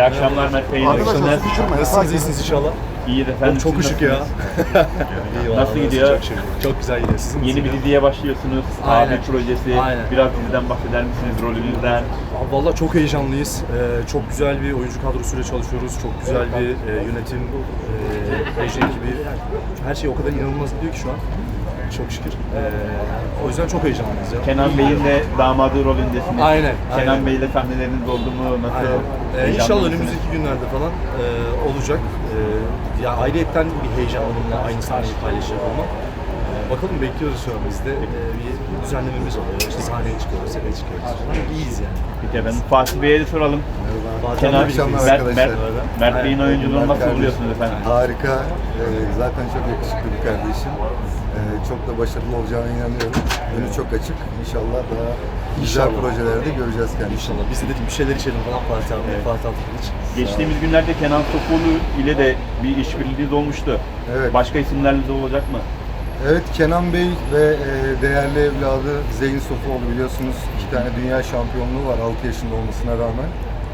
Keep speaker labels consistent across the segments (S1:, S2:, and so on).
S1: akşamlar Mert Bey.
S2: Arkadaşlar
S3: Nasılsınız, iyisiniz inşallah?
S1: İyi de efendim.
S3: Çok
S1: siz
S3: ışık ya.
S1: nasılsınız?
S3: İyi,
S1: Nasıl gidiyor?
S3: Çok güzel gidiyor. Sizin
S1: Yeni bir diziye başlıyorsunuz.
S3: Aynen.
S1: Abi projesi.
S3: Aynen.
S1: Biraz diziden bahseder misiniz, rolünüzden?
S3: Vallahi çok heyecanlıyız. Çok güzel bir oyuncu kadrosuyla çalışıyoruz. Çok güzel bir yönetim, reji ekibi. Her şey o kadar inanılmaz gidiyor ki şu an. Çok şükür. O yüzden çok heyecanlıyız ya.
S1: Kenan Bey'in de damadı rolündesiniz.
S3: Aynen,
S1: Kenan
S3: aynen.
S1: Bey'le sahneleriniz oldu mu? Nasıl?
S3: İnşallah
S1: Heyecanlı
S3: önümüzdeki günlerde falan olacak. Ya ayrıyetten bir heyecan onunla aynı sahneyi paylaşacak olmak. Bakalım bekliyoruz şu an biz de. Bir düzenlememiz oluyor. İşte sahneye çıkıyoruz, sete çıkıyoruz. İyiyiz yani.
S1: Peki efendim, Fatih Bey'e de soralım.
S2: İyi akşamlar arkadaşlar.
S1: Mert Bey'in oyunculuğunu nasıl buluyorsunuz efendim?
S2: Harika. Zaten çok yakışıklı bir kardeşim. Çok da başarılı olacağına inanıyorum. Önü çok açık. İnşallah daha güzel
S3: İnşallah.
S2: projelerde göreceğiz kendisini.
S3: İnşallah. Biz de dedik bir şeyler içelim falan Fatih abi. Fatih abi hiç.
S1: Geçtiğimiz günlerde Kenan Sokoğlu ile de bir işbirliğiniz olmuştu.
S2: Evet.
S1: Başka isimlerle de olacak mı?
S2: Evet, Kenan Bey ve değerli evladı Zeyn Sofuoğlu, biliyorsunuz 2 tane dünya şampiyonluğu var 6 yaşında olmasına rağmen.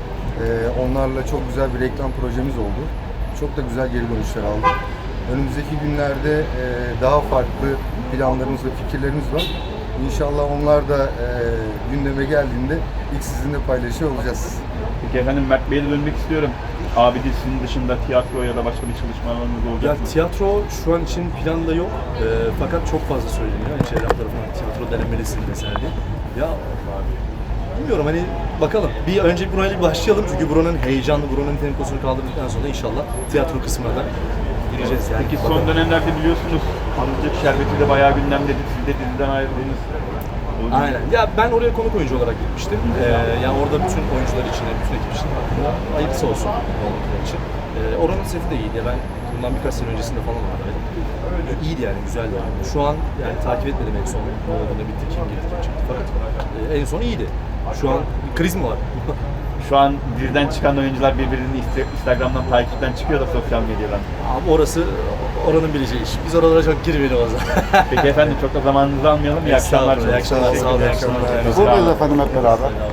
S2: Onlarla çok güzel bir reklam projemiz oldu. Çok da güzel geri dönüşler aldık. Önümüzdeki günlerde daha farklı planlarımız ve fikirlerimiz var. İnşallah onlar da gündeme geldiğinde ilk sizinle paylaşıyor olacağız.
S1: Peki efendim, Mert Bey'e de dönmek istiyorum. Abi dizisinin dışında tiyatro ya da başka bir çalışmalarınız olacak
S3: Ya
S1: mı?
S3: tiyatro şu an için planda yok. Fakat çok fazla söyleniyor. Yani çevrem tarafından tiyatro denemelisin vesaire diye. Ya bilmiyorum, hani bakalım. Bir önce burayla bir başlayalım çünkü buranın heyecanlı, buranın temposunu kaldırdıktan sonra inşallah tiyatro kısmına da gireceğiz yani.
S1: Peki son dönemlerde biliyorsunuz Anıtlık Şerbeti de bayağı gündemdeydi. Siz de diziden ayrıldınız.
S3: Aynen. Ya ben oraya konuk oyuncu olarak gitmiştim. Yani orada bütün oyuncular için, bütün ekip için hayırlısı olsun oldukları için. Oranın seti de iyiydi. Ben bundan birkaç sene öncesinde falan oradaydım. İyiydi yani, güzeldi. Şu an yani takip etmedim en son. Ne oldu, ne bitti, kim girdi, kim çıktı fakat en son iyiydi. Şu an bir kriz mi var?
S1: Şu an diziden çıkan oyuncular birbirini Instagram'dan takipten çıkıyor da sosyal medyadan.
S3: Abi orası oranın bileceği iş. Biz oralara çok girmeyelim o zaman.
S1: Peki efendim, çok da zamanınızı almayalım. İyi akşamlar.
S3: İyi akşamlar. Sağ olun. İyi akşamlar.
S2: Buradayız efendim hep beraber.